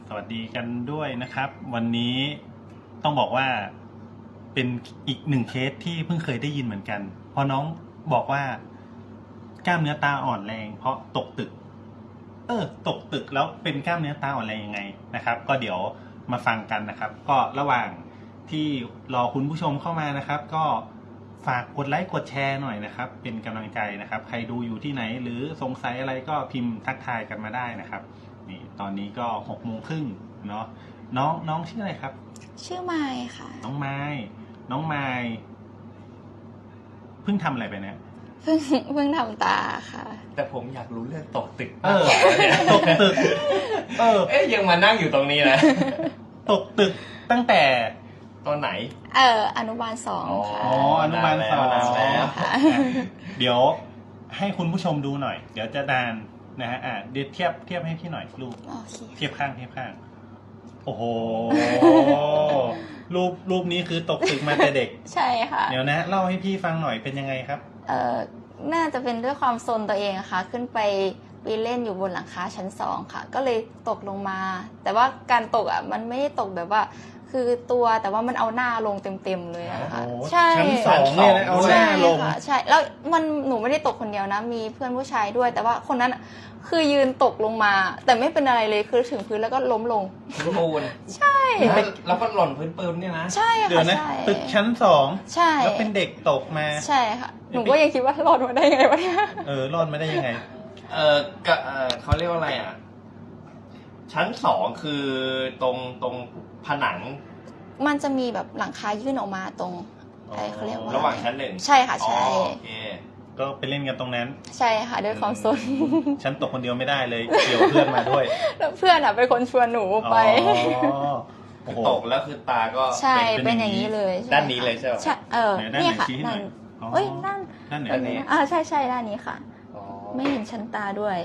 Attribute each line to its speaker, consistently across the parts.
Speaker 1: สวัสดีกันด้วยนะครับ วันนี้ต้องบอกว่าเป็นอีกหนึ่งเคสที่เพิ่งเคยได้ยินเหมือนกันเพราะน้องบอกว่ากล้ามเนื้อตาอ่อนแรงเพราะตกตึกตกตึกแล้วเป็นกล้ามเนื้อตาอ่อนแรงยังไงนะครับ ก็เดี๋ยวมาฟังกันนะครับ ก็ระหว่างที่รอคุณผู้ชมเข้ามานะครับ ก็ฝากกดไลค์กดแชร์หน่อยนะครับ เป็นกำลังใจนะครับ ใครดูอยู่ที่ไหนหรือสงสัยอะไรก็พิมพ์ทักทายกันมาได้นะครับนี่ตอนนี้ก็6:30เนาะน้องชื่ออะไรครับ
Speaker 2: ชื่อไมค์ค่ะ
Speaker 1: น้องไม้เพิ่งทำอะไรไปเนี่ย
Speaker 2: เพิ่งทำตาค่ะ
Speaker 3: แต่ผมอยากรู้เรื่องตกตึกมากกว่าเนี่ย
Speaker 1: ตกตึก
Speaker 3: ยังมานั่งอยู่ตรงนี้นะ
Speaker 1: ตกตึกตั้งแต่
Speaker 3: ตอนไหน
Speaker 2: อนุบาล2ค่ะ
Speaker 1: อนุบาล2
Speaker 3: แล้ว
Speaker 1: เดี๋ยวให้คุณผู้ชมดูหน่อยเดี๋ยวจะนานนะฮะเดี๋ยวเทียบให้พี่หน่อยรูปเทียบข้างโอ้โหรูปนี้คือตกตึกมาแต่เด็ก
Speaker 2: ใช่ค่ะ
Speaker 1: เดี๋ยวนะเล่าให้พี่ฟังหน่อยเป็นยังไงครับ
Speaker 2: น่าจะเป็นด้วยความซนตัวเองค่ะขึ้นไปเล่นอยู่บนหลังคาชั้น2ค่ะก็เลยตกลงมาแต่ว่าการตกมันไม่ได้ตกแบบว่าคือตัวแต่ว่ามันเอาหน้าลงเต็มเลยนะคะ
Speaker 1: ใช่ชั้น2เนี่ยนะเอาหน้าลง
Speaker 2: ใช่แล้วหนูไม่ได้ตกคนเดียวนะมีเพื่อนผู้ชายด้วยแต่ว่าคนนั้นคือยืนตกลงมาแต่ไม่เป็นอะไรเลยคือถึงพื้นแล้วก็ล้มลง
Speaker 3: ปูน
Speaker 2: ใช่
Speaker 3: แล้วก็หล่นพื้นปืนเนี่ยนะ
Speaker 2: ใช่ค่ะ
Speaker 1: ใช่ตึกชั้น2
Speaker 2: ใช่
Speaker 1: แล้วเป็นเด็กตกมา
Speaker 2: ใช่ค่ะหนูก็ยังคิดว่ารอดมาได้ไงวะเนี่ย
Speaker 1: รอดมาได้ยังไง
Speaker 3: เขาเรียกว่าอะไรชั้น2คือตรงผนัง
Speaker 2: มันจะมีแบบหลังคายื่นออกมาตรงเขาเรียกว่า
Speaker 3: ระหว่างชั้น1
Speaker 2: ใช่ค่ะใช่
Speaker 1: ก็ไปเล่นกันตรงนั้น
Speaker 2: ใช่ค่ะด้วยความซน
Speaker 1: ฉันตกคนเดียวไม่ได้เลยเกี่ยวเพื่อนมาด้วย
Speaker 2: แล้วเพื่อนเป็นคนชวนหนูไป
Speaker 3: ตกแล้วคือตาก็
Speaker 2: ใช่เป็นอย่างนี้เลย
Speaker 3: ด้านนี้เลยใช่ไหม
Speaker 2: ใช่นี่ค่ะด้าน
Speaker 1: ด้านไหน
Speaker 2: ใช่ด้านนี้ค่ะไม่เห็นชั้นตาด้วย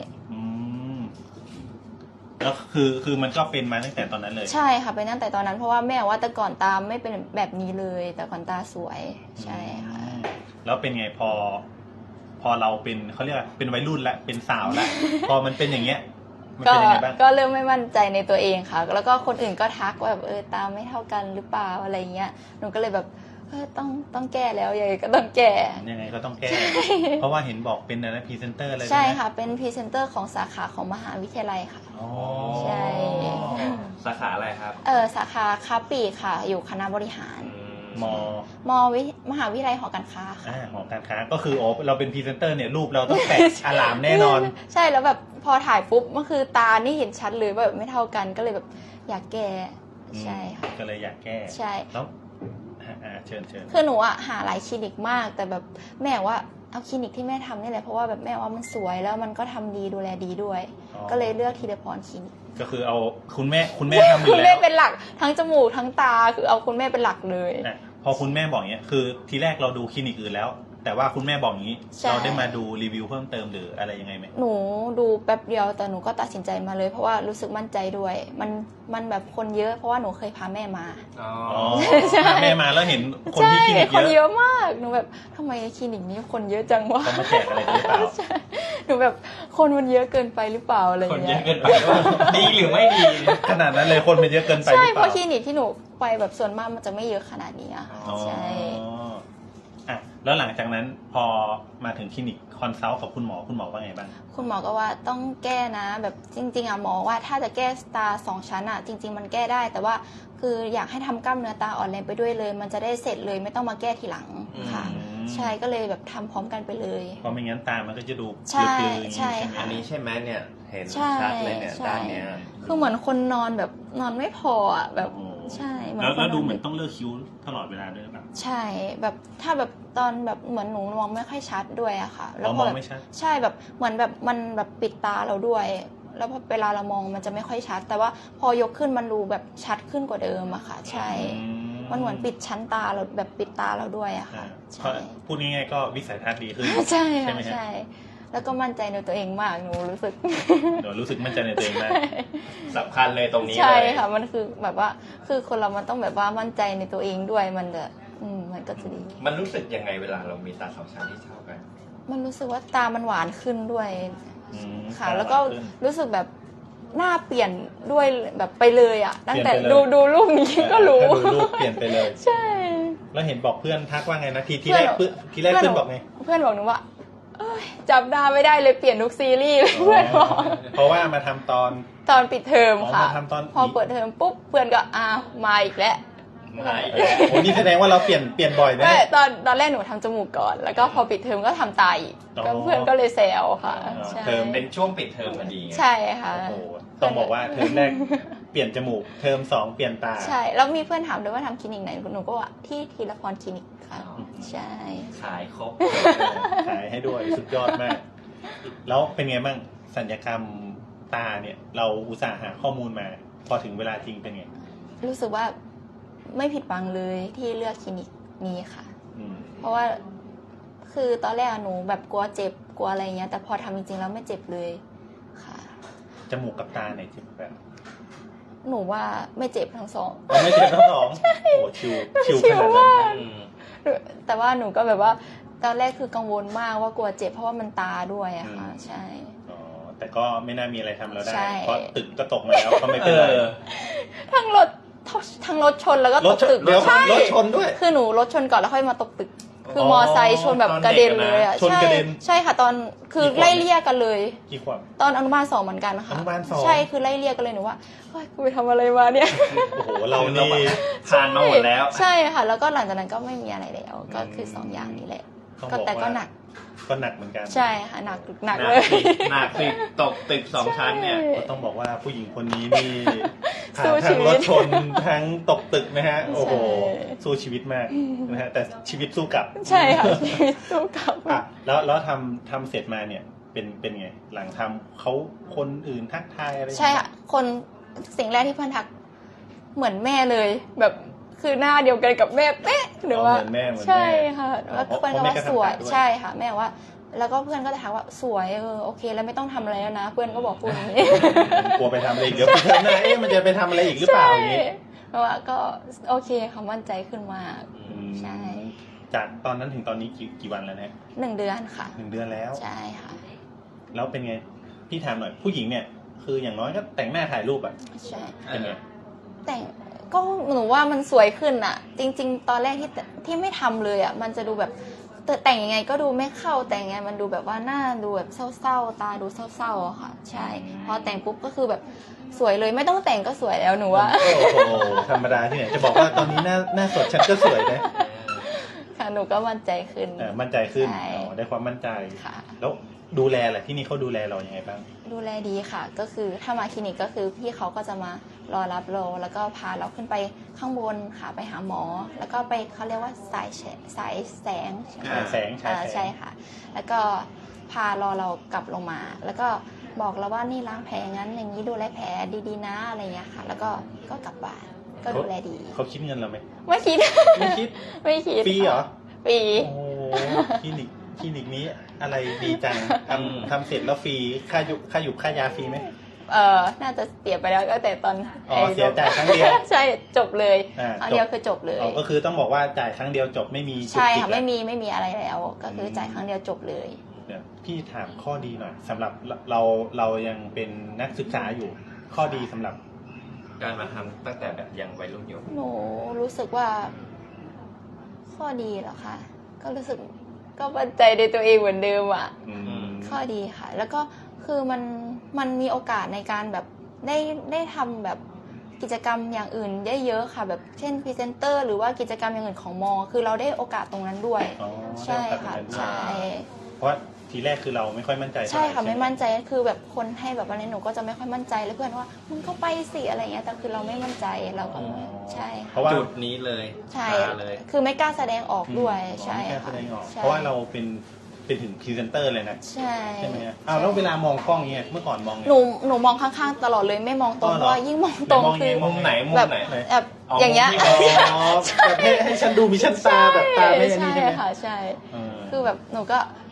Speaker 1: แล้วคือมันก็เป็นมาตั้งแต่ตอนนั้นเลย
Speaker 2: ใช่ค่ะเป็นตั้งแต่ตอนนั้นเพราะว่าแม่ว่าแต่ก่อนตาไม่เป็นแบบนี้เลยแต่ก่อนตาสวยใช่ค่ะ
Speaker 1: แล้วเป็นไงพอเราเป็นเขาเรียกว่าเป็นวัยรุ่นแล้วเป็นสาวแล้วพอมันเป็นอย่างเงี้ยมันเป็นยังไงบ้าง
Speaker 2: ก็เริ่มไม่มั่นใจในตัวเองค่ะแล้วก็คนอื่นก็ทักว่าแบบตาไม่เท่ากันหรือเปล่าอะไรเงี้ยหนูก็เลยแบบต้องแก้แล้วยังไงก็ต้องแก้
Speaker 1: ยังไงก็ต้องแก้เพราะว่าเห็นบอกเป็นอะไรพรีเซนเตอร์อะไร
Speaker 2: ใช่ค่ะเป็นพรีเซนเตอร์ของสาขาของมหาวิทยาลัยค่ะใช่
Speaker 3: สาขาอะไรครับ
Speaker 2: สาขาค้าปลีกค่ะอยู่คณะบริหารมหาวิทยาลัยหอการค้าค่ะ
Speaker 1: หอการค้าก็คือเราเป็นพรีเซนเตอร์เนี่ยรูปเราต้องแปะอลามแน่นอน
Speaker 2: ใช่แล้วแบบพอถ่ายปุ๊บมันคือตานี่เห็นชัดเลยว่าแบบไม่เท่ากันก็เลยแบบอยากแก้ใช่ค่ะ
Speaker 1: ก็เลยอยากแก้
Speaker 2: ใช่
Speaker 1: แล้วเชิญ
Speaker 2: คือหนูหาหลายคลินิกมากแต่แบบแม่ว่าเอาคลินิกที่แม่ทำนี่แหละเพราะว่าแบบแม่ว่ามันสวยแล้วมันก็ทำดีดูแลดีด้วยก็เลยเลือกธีรพรคลินิก
Speaker 1: ก็คือเอาคุณแม่ทำอยู่แล้ว
Speaker 2: คุณแม่เป็นหลักทั้งจมูกทั้งตาคือเอาคุณแม่เป็นหลักเลย
Speaker 1: พอคุณแม่บอกเนี้ยคือทีแรกเราดูคลินิกอื่นแล้วแต่ว่าคุณแม่บอกงี้เราได้มาดูรีวิวเพิ่มเติมหรืออะไรยังไงไหม
Speaker 2: หนูดูแป๊บเดียวแต่หนูก็ตัดสินใจมาเลยเพราะว่ารู้สึกมั่นใจด้วยมันแบบคนเยอะเพราะว่าหนูเคยพาแม่มา
Speaker 1: พาแม่มาแล้วเห็นคนที่คลินิก
Speaker 2: คนเยอะมากหนูแบบทำไมคลินิกนี้คนเยอะจังวะ
Speaker 1: เขามาแจกอะไรหรือเปล่า
Speaker 2: หนูแบบคนมันเยอะเกินไปหรือเปล่าอะไร
Speaker 3: คนเยอะเกินไปดีหรือไม่ดี
Speaker 1: ขนาดนั้นเลยคนมันเยอะเกินไป
Speaker 2: ใช่เพราะคลินิกที่หนูไปแบบส่วนมากมันจะไม่เยอะขนาดนี้อะใช่
Speaker 1: แล้วหลังจากนั้นพอมาถึงคลินิกคอนซัลท์กับคุณหมอว่าไงบ้าง
Speaker 2: คุณหมอก็ว่าต้องแก้นะแบบจริงๆหมอว่าถ้าจะแก้ตา2ชั้นจริงๆมันแก้ได้แต่ว่าคืออยากให้ทำกล้ามเนื้อตาอ่อนแรงไปด้วยเลยมันจะได้เสร็จเลยไม่ต้องมาแก้ทีหลังค่ะใช่ก็เลยแบบทำพร้อมกันไปเลย
Speaker 1: เพราะไม่งั้นตามันก็จะดู
Speaker 2: ใช่ใช่
Speaker 3: อันนี้ใช่ไหมเนี่ยเห็นชัดเลยเนี่ยด้านเนี้ย
Speaker 2: คือเหมือนคนนอนแบบนอนไม่พอแบบใช่
Speaker 1: แล้วดูเหมือนต้องเลือกคิ้วตลอดเวลาด้วยแบบ
Speaker 2: ใช่แบบถ้าแบบตอนแบบเหมือนหนูมองไม่ค่อยชัดด้วยอะค่ะ
Speaker 1: แล้วมองไม่ชัด
Speaker 2: ใช่แบบเหมือนแบบมันแบบปิดตาเราด้วยแล้วพอเวลาเรามองมันจะไม่ค่อยชัดแต่ว่าพอยกขึ้นมันดูแบบชัดขึ้นกว่าเดิมอะค่ะใช่มันเหมือนปิดชั้นตาเราแบบปิดตาเราด้วยอะค่ะ
Speaker 1: พูดง่ายๆก็วิสัยทัศน์ดีขึ้น
Speaker 2: ใช่ใช่แล้วก็มั่นใจในตัวเองมากหนูรู้สึก
Speaker 1: มั่นใจในตัวเองมาก
Speaker 3: สำคัญเลยตรงนี้
Speaker 2: ใช่ค่ะมันคือแบบว่าคือคนเรามันต้องแบบว่ามั่นใจในตัวเองด้วยมันจะมันก็จะดี
Speaker 3: มันรู้สึกยังไงเวลาเรามีตา2ชั้นที่เท่ากัน
Speaker 2: มันรู้สึกว่าตามันหวานขึ้นด้วยค่ะแล้วก็รู้สึกแบบหน้าเปลี่ยนด้วยแบบไปเลยอ่ะตั้งแต่
Speaker 1: เปลี่ยนไปเลย
Speaker 2: ดูรูปนี้ก็รู้
Speaker 1: แค่ดูรูปเปลี่ยนไปเลย
Speaker 2: ใช่
Speaker 1: แล้วเห็นบอกเพื่อนทักว่าไงนะทีแรกเพื่อนบอกไง
Speaker 2: เพื่อนบอกหนูว่าเอ้ยจำหน้าไม่ได้เลยเปลี่ยนทุกซีรีส์เลยเพื่อนบอก
Speaker 1: เพราะว่ามาทำตอน
Speaker 2: ตอนปิดเทอมค่ะ
Speaker 1: มาทำตอน
Speaker 2: พอเปิดเทอมปุ๊บเพื่อนก็อ้าวมาอีกแล้ว
Speaker 3: ไหน
Speaker 1: โอ้นี่แสดงว่าเราเปลี่ยนบ่อยนะ
Speaker 2: ไม่ตอนแรกหนูทำจมูกก่อน แล้วก็พอปิดเทอมก็ทำตาอีก
Speaker 1: อ๋อ
Speaker 2: ก็เพื่อนก็เลยแซวค่ะ
Speaker 1: อ๋อ
Speaker 2: ใช่
Speaker 1: เทอม
Speaker 3: เป็นช่วงปิดเทอมพอดีไง
Speaker 2: ใช่ค่ะ
Speaker 1: โอ้โหต้องบอกว่าเทอมแรกเปลี่ยนจมูกเทอม2เปลี่ยนตา
Speaker 2: ใช่แล้วมีเพื่อนถามด้วยว่าทำคลินิกไหนหนูก็ว่าที่ทีละพรคลินิกค่ะ
Speaker 3: อ๋อ
Speaker 2: ใช่
Speaker 3: ขายครบ
Speaker 1: ขายให้ด้วยสุดยอดมาก แล้วเป็นไงบ้างสัญญกรรมตาเนี่ย เราอุตส่าห์หาข้อมูลมา พอถึงเวลาจริงเป็นไง
Speaker 2: รู้สึกว่าไม่ผิดหวังเลยที่เลือกคลินิกนี้ค่ะ
Speaker 1: อืม
Speaker 2: เพราะว่าคือตอนแรกหนูแบบกลัวเจ็บกลัวอะไรเงี้ย แต่พอทำจริงๆแล้วไม่เจ็บเลยค่ะ
Speaker 1: จมูกกับตาเนี่ยเจ็บแบบ
Speaker 2: หนูว่าไม่เจ็บทั้งสอง
Speaker 1: เราไม่เจ็บทั้งสองโอ้โหชิวขนาดนั้น
Speaker 3: อืม
Speaker 2: แต่ว่าหนูก็แบบว่าตอนแรกคือกังวลมากว่ากลัวเจ็บเพราะว่ามันตาด้วยอะค่ะ ใช่
Speaker 1: อ๋อแต่ก็ไม่น่ามีอะไรทำเราได้
Speaker 2: ใช่
Speaker 1: เพราะตึกก็ตกมาแล้วก็ไม่เป็นไร
Speaker 2: ทั้งรถชนแล้วก็
Speaker 1: ร
Speaker 2: ต
Speaker 1: ถ
Speaker 2: ก
Speaker 1: ชน
Speaker 2: ตึก
Speaker 1: เดี๋ยว
Speaker 2: ใช่
Speaker 1: รถชนด้วย
Speaker 2: คือหนูรถชนก่อนแล้วค่อยมาตกตึก คือมอไซค์ชนแบบกระเด็นเลยอ่ะ
Speaker 1: ชนกระเด็น
Speaker 2: ใช่ค่ะตอนคือ
Speaker 1: กี่ขวบ
Speaker 2: ไล่เลี่ยกันเลย
Speaker 1: กี่ขวบ
Speaker 2: ตอนอนุบาล2เหมือนกันค่ะ
Speaker 1: อนุบาล2
Speaker 2: ใช่คือไล่เลี่ยกันเลยหนูว่าเฮ้ยกูไปทำอะไรมาเนี่ย
Speaker 1: โอ้โหเรานี่
Speaker 3: ผ่านมาหมดแล้ว
Speaker 2: ใช่ค่ะ แล้วก็หลังจากนั้นก็ไม่มีอะไรแล้ว ก็คือ2อย่างนี้แหละ
Speaker 1: ต้อง
Speaker 2: ก็
Speaker 1: บอก
Speaker 2: แต่ก็
Speaker 1: ว่า
Speaker 2: หนัก
Speaker 1: ก็หนักเหมือนกัน
Speaker 2: ใช่ค่ะหนักหนัก
Speaker 3: หนั
Speaker 2: เล
Speaker 3: ก
Speaker 2: ย
Speaker 3: สิหนักสิตกตึก2 ชั้นเนี่ย
Speaker 1: ก็ต้องบอกว่าผู้หญิงคนนี้นี่
Speaker 2: สู้
Speaker 1: ผ่าน
Speaker 2: ชี
Speaker 1: ทั้ง
Speaker 2: วิต
Speaker 1: รถชนทั้งตกตึกนะฮะ โอ้โห
Speaker 2: ใช่
Speaker 1: สู้ชีวิตมากนะฮะ แต่ชีวิตสู้กลับ
Speaker 2: ใช่ค่ะชีวิตสู้กลับ
Speaker 1: อ่ะแล้วทำเสร็จมาเนี่ยเป็นไง หลังทำเขาคนอื่นทักทายอะไร
Speaker 2: ใช่ค่ะคนสิ่งแรกที่เพื่อนทักเหมือนแม่เลย แบบคือหน้าเดียวกันกับแม่เป๊ะหนูว่า
Speaker 1: เหมือนแม่
Speaker 2: ใช่ค่ะ
Speaker 1: อ๋อ
Speaker 2: แล้ว
Speaker 1: เพราะ
Speaker 2: เพื่อนก็
Speaker 1: แม่
Speaker 2: ว่า
Speaker 1: ก็
Speaker 2: สวย
Speaker 1: ทำตาด้วย
Speaker 2: ใช่ค่ะแม่บอกว่า แล้วก็เพื่อนก็จะถามว่าสวยโอเค แล้วไม่ต้องทำอะไรแล้วนะ เพื่อนก็บอกพูดอย่างนี้
Speaker 1: กลัวไปทำอะไรอีกเดี๋ยวไปเทอมหน้ามันจะไปทำอะไรอีกหรือเปล่าอย่างนี้
Speaker 2: เพราะว่าก็โอเคเขามั่นใจขึ้นมาก
Speaker 1: อืม
Speaker 2: ใช่
Speaker 1: จากตอนนั้นถึงตอนนี้กี่วันแล้วนะ
Speaker 2: 1 เดือนค่ะ
Speaker 1: 1 เดือนแล้ว
Speaker 2: ใช่ค่ะ
Speaker 1: แล้วเป็นไง พี่ถามหน่อย ผู้หญิงเนี่ย คืออย่างน้อยก็แต่งหน้าถ่ายรูปอะ
Speaker 2: ใช่
Speaker 1: เป็นไง
Speaker 2: แต่งก็หนูว่ามันสวยขึ้นอะจริง ๆ ตอนแรกที่ไม่ทำเลยอะมันจะดูแบบแต่งยังไงก็ดูไม่เข้าแต่งยังไงมันดูแบบว่าหน้าดูแบบเศร้าๆตาดูเศร้าๆอะค่ะ ใช่พอแต่งปุ๊บก็คือแบบสวยเลยไม่ต้องแต่งก็สวยแล้วหนูว่า
Speaker 1: โอ้โห ธรรมดาที่ไหน จะบอกว่าตอนนี้หน้าสดฉันก็สวยนะ
Speaker 2: ค่ะหนูก็มั่นใจขึ้น
Speaker 1: มั่นใจขึ้น
Speaker 2: ใช่
Speaker 1: อ๋อได้ความมั่นใจ
Speaker 2: ค่ะ
Speaker 1: แล้วดูแลแหละที่นี่เขาดูแลเรายังไงบ้าง
Speaker 2: ดูแลดีค่ะ ก็คือถ้ามาคลินิกก็คือพี่เขาก็จะมารอรับเราแล้วก็พาเราขึ้นไปข้างบนค่ะไปหาหมอ แล้วก็ไปเขาเรียกว่าสายแสงใช่ไหม
Speaker 1: ฉายแสงฉายแสง
Speaker 2: ใช่ค่ะ แล้วก็พารอเรากลับลงมา แล้วก็บอกเราว่านี่ล้างแผลงั้นอย่างนี้ดูแลแผลดีๆนะอะไรเงี้ยค่ะ แล้วก็กลับบ้านก็ดูแลดี
Speaker 1: เขาคิดเงินเราไหม
Speaker 2: ไม่คิด
Speaker 1: ไม่คิด
Speaker 2: ไม่คิด
Speaker 1: ฟรีเหรอ
Speaker 2: ฟรี
Speaker 1: โอ้โหคลินิกนี้อะไรดีจังทำเสร็จแล้วฟรีค่าอยู่ค่ายาฟรีไหม
Speaker 2: น่าจะเสียไปแล้วก็แต่ตอน
Speaker 1: อ๋อเสียจ่ายครั้งเดียว
Speaker 2: ใช่จบเลย
Speaker 1: อ่า
Speaker 2: ครั้งเดียวคือจบเลย
Speaker 1: อ๋อก็คือต้องบอกว่าจ่ายครั้งเดียวจบไม่มีจุก
Speaker 2: ใช่
Speaker 1: จิก
Speaker 2: ค่ะ
Speaker 1: แล้ว
Speaker 2: ไม่มีอะไรแล้ว ก็คือจ่ายครั้งเดียวจบเลย
Speaker 1: เดี๋ยวพี่ถามข้อดีหน่อยสำหรับเรายังเป็นนักศึกษาอยู่ ข้อดีสำหรับ
Speaker 3: การมาทำตั้งแต่แบบยังวัยรุ่นอยู่
Speaker 2: หนูรู้สึกว่า ข้อดีเหรอคะก็รู้สึกก็มั่นใจในตัวเองเหมือนเดิมอ่ะ ข้อดีค่ะ แล้วก็คือมันมีโอกาสในการแบบได้ทำแบบกิจกรรมอย่างอื่นได้เยอะค่ะ แบบเช่นพรีเซนเตอร์หรือว่ากิจกรรมอย่างอื่นของมอ คือเราได้โอกาสตรงนั้นด้วย
Speaker 1: อ๋อ
Speaker 2: ใช่ค่ะ
Speaker 1: ได้โอกาสตรงนั้นด้วย
Speaker 2: ใช่
Speaker 1: เพราะทีแรกคือเราไม่ค่อยมั่นใจ
Speaker 2: ใช่ค่ะ
Speaker 1: เท่าหร่
Speaker 2: ไม่มั่นใจคือแบบคนให้แบบอะไรหนูก็จะไม่ค่อยมั่นใจแล้วเพื่อนว่ามึงก็ไปสิอะไรเงี้ยแต่คือเราไม่มั่นใจเราก็ใช่
Speaker 1: เพ
Speaker 2: ค่ะ
Speaker 1: ราะว่า
Speaker 3: จุดนี้เลย
Speaker 2: ใช่
Speaker 3: มาเลย
Speaker 2: คือไม่กล้าแสดงออกด้วยใช่
Speaker 1: ไม่กล้า
Speaker 2: ค่ะ
Speaker 1: แสดงออก
Speaker 2: ใช่
Speaker 1: เพราะว่าเราเป็นถึงพรีเซนเตอร์เลยนะ
Speaker 2: ใช่
Speaker 1: ใช่ไหมฮะอ้าวแล้วเวลามองกล้องเงี้ยเมื่อก่อนมองไง
Speaker 2: หนูมองข้างๆตลอดเลยไม่มองตรง
Speaker 1: อ๋อ
Speaker 2: เพ
Speaker 1: เหรอ
Speaker 2: ราะว่ายิ่งมองตรง
Speaker 1: ไหนมอง
Speaker 2: คือ
Speaker 1: ยังไง
Speaker 3: มุมไหนมุม
Speaker 2: แบบ
Speaker 3: ไหน
Speaker 2: แบบ
Speaker 3: อ๋อ
Speaker 2: อย่างเงี้ย
Speaker 3: มุมที่
Speaker 1: อ๋อแบบให้ฉันดูมีชั้นตาแบบตาไม่อันนี้ใช่ไหม
Speaker 2: ค่ะใช่
Speaker 1: เออ
Speaker 2: คือแบบหนูก็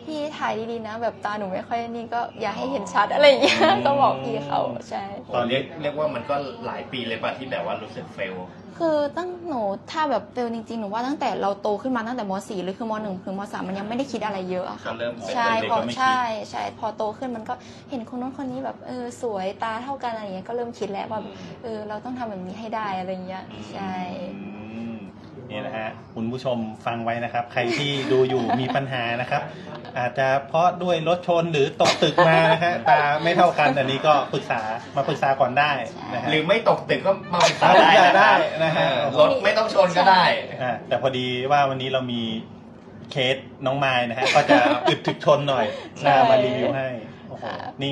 Speaker 2: พี่ถ่ายดีๆนะ แบบตาหนูไม่ค่อยนี่ก็อย่าให้เห็นชัดอะไรอย่างเงี้ยก็บอกพี่เขาใช่
Speaker 3: ตอนเรียกว่ามันก็หลายปีเลยป่ะที่แบบว่ารู้สึกเฟล
Speaker 2: คือตั้งหนูถ้าแบบเฟลจริงๆหนูว่าตั้งแต่เราโตขึ้นมาตั้งแต่ม .4 หรือคือม .1 ถึงม .3 มันยังไม่ได้คิดอะไรเยอะอะ
Speaker 3: ก็
Speaker 2: ค่ะ
Speaker 3: เริ่มเป็น
Speaker 2: ใช่
Speaker 3: เด็ก
Speaker 2: พอ
Speaker 3: ก็ไม่คิด
Speaker 2: ใช่ใช่พอโตขึ้นมันก็เห็นคนนู้นคนนี้แบบสวยตาเท่ากันอะไรอย่างเงี้ยก็เริ่มคิดแล้วว่าเราต้องทำแบบนี้ให้ได้อะไรเงี้ยใช่
Speaker 1: นี่นะฮะคุณผู้ชมฟังไว้นะครับ ใครที่ดูอยู่มีปัญหานะครับ อาจจะเพราะด้วยรถชนหรือตกตึกมานะฮะตาไม่เท่ากันอันนี้ก็ปรึกษาก่อนได้นะฮะ
Speaker 3: หรือไม่ตกตึกก็มาปรึกษา
Speaker 1: ปรึกษาได้
Speaker 3: ได้
Speaker 1: นะฮะ
Speaker 3: รถไม่ต้องชนก็ได้
Speaker 1: แต่พอดีว่าวันนี้เรามีเคสน้องไม้นะฮะก็จะอึดถึกชนหน่อย
Speaker 2: ใช่
Speaker 1: มารีวิวให้โอ้โห
Speaker 2: ค่ะ
Speaker 1: นี่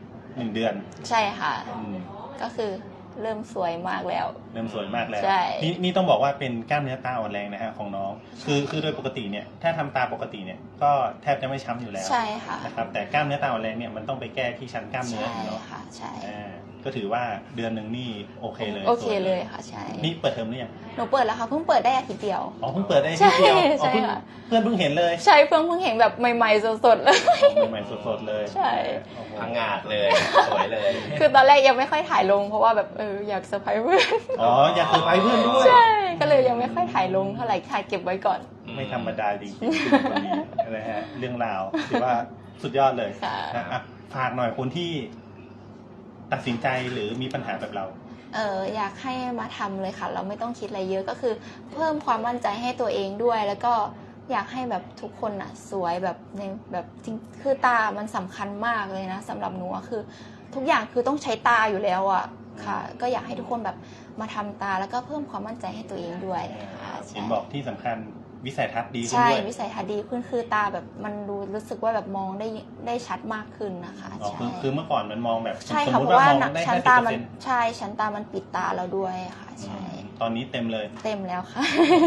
Speaker 1: 1 เดือน
Speaker 2: ใช่ค่ะ
Speaker 1: อืม
Speaker 2: ก็คือเริ่มสวยมากแล้ว
Speaker 1: เริ่มสวยมากแล้ว
Speaker 2: ใช่
Speaker 1: นี่ต้องบอกว่าเป็นกล้ามเนื้อตาอ่อนแรงนะฮะของน้องคือโดยปกติเนี่ยถ้าทำตาปกติเนี่ยก็แทบจะไม่ช้ำอยู่แล้ว
Speaker 2: ใช่ค่ะ
Speaker 1: นะครับแต่กล้ามเนื้อตาอ่อนแรงเนี่ยมันต้องไปแก้ที่ชั้นกล้ามเนื้อ
Speaker 2: ใช่
Speaker 1: เนาะ
Speaker 2: ค่ะใช่
Speaker 1: ก็ถือว่าเดือนหนึ่งนี่โอเคเลย
Speaker 2: โอเคเลยค่ะใช่
Speaker 1: นี่เปิดเทอมหรือยัง
Speaker 2: หนูเปิดแล้วค่ะเพิ่งเปิดได้อาทิตย์เดียว
Speaker 1: อ๋อเพิ่งเปิดได้ทีเดียว
Speaker 2: ใช่
Speaker 1: อ๋อเพิ่ง
Speaker 2: ค่ะ
Speaker 1: เพื่อนเพิ่งเห็นเลย
Speaker 2: ใช่เพิ่งเห็นแบบใหม่ๆสดๆเลย
Speaker 1: ใหม่ๆสดๆเลย
Speaker 2: ใช่
Speaker 1: โอ้โห
Speaker 3: พังงาดเลยสวยเลย
Speaker 2: คือตอนแรกยังไม่ค่อยถ่ายลงเพราะว่าแบบอยากเซอร์ไพรส์เพื่อน
Speaker 1: อ๋ออยากเซอร์ไพรส์เพื่อนด้วย
Speaker 2: ใช่ก็เลยยังไม่ค่อยถ่ายลงเท่าไหร่ถ่ายเก็บไว้ก่อน
Speaker 1: ไม่ธรรมดาจริงๆคนนี้นะฮะเรื่องราวถือว่าสุดยอดเลย
Speaker 2: ค่ะ
Speaker 1: อ่ะฝากหน่อยคนที่ตัดสินใจหรือมีปัญหาแบบเรา
Speaker 2: อยากให้มาทำเลยค่ะ เราไม่ต้องคิดอะไรเยอะก็คือ เพิ่มความมั่นใจให้ตัวเองด้วย แล้วก็อยากให้แบบทุกคนน่ะสวยแบบในแบบจริงคือตามันสำคัญมากเลยนะสำหรับหนูอะคือ ทุกอย่างคือต้องใช้ตาอยู่แล้วอะค่ะ ก็อยากให้ทุกคนแบบมาทำตาแล้วก็เพิ่มความมั่นใจให้ตัวเองด้วยค่ะ
Speaker 1: เห็
Speaker 2: ใช่
Speaker 1: นบอกที่สำคัญวิสัยทัศน์ดีขึ้น
Speaker 2: ใช่
Speaker 1: ด้วย
Speaker 2: วิสัยทัศน์ดีขึ้นคือตาแบบมันรู้สึกว่าแบบมองได้ชัดมากขึ้นนะคะ
Speaker 1: อ๋อ
Speaker 2: ใช่
Speaker 1: คือเมื่อก่อนมันมองแบบ
Speaker 2: ใช่
Speaker 1: สม
Speaker 2: ค่ะ
Speaker 1: ม
Speaker 2: เพ
Speaker 1: ติ
Speaker 2: ราะ
Speaker 1: ว่า
Speaker 2: ว่าม
Speaker 1: องได้
Speaker 2: ชั้น
Speaker 1: 50%
Speaker 2: ตามันใช่ชั้นตามันปิดตาเราด้วยค่ะใช่
Speaker 1: ตอนนี้เต็มเลย
Speaker 2: เต็มแล้วค่ะ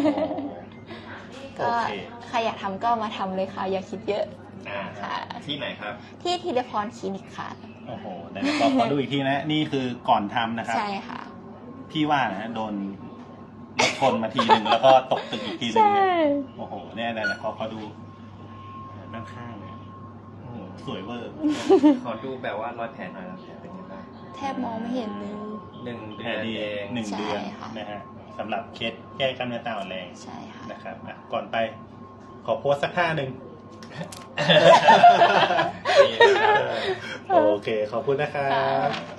Speaker 1: โอ
Speaker 2: ก็
Speaker 1: เค
Speaker 2: ใครอยากทำก็มาทำเลยค่ะ อย่าคิดเยอะ ค่ะ
Speaker 3: ที่ไหนครับ
Speaker 2: ที่ทีเดพรคลินิกค่ะ
Speaker 1: โอ้โหเดี๋ยวขอดูอีกทีนะ นี่คือก่อนทำนะครับ
Speaker 2: ใช่ค่ะ
Speaker 1: พี่ว่านะโดนรถชนมาทีหนึ่งแล้วก็ตกตึกอีกทีหนึ่งเนี่ยโอ้โหเนี่ยนะขอดูด้านข้างเนี่ยโอ้โหสวยเวอร์
Speaker 3: ขอดูแบบว่ารอยแผลหน่อยนะแผลเป็นยังไงบ้าง
Speaker 2: แทบมองไม่เห็นเลย
Speaker 3: 1
Speaker 1: แผ
Speaker 3: เดือน
Speaker 1: ลดี
Speaker 3: เอง
Speaker 1: 1
Speaker 2: ใช่
Speaker 1: เดือน
Speaker 2: ค่ะ
Speaker 1: นะฮะสำหรับเคสแก้กล้ามเนื้อตาอ่อนแรง
Speaker 2: ใช่ค่ะ
Speaker 1: นะครับก่อนไปขอโพสสักท่าหนึ่ง
Speaker 3: นี่นะครับ
Speaker 1: โอเค ขอบคุณนะครับ
Speaker 2: ค่ะ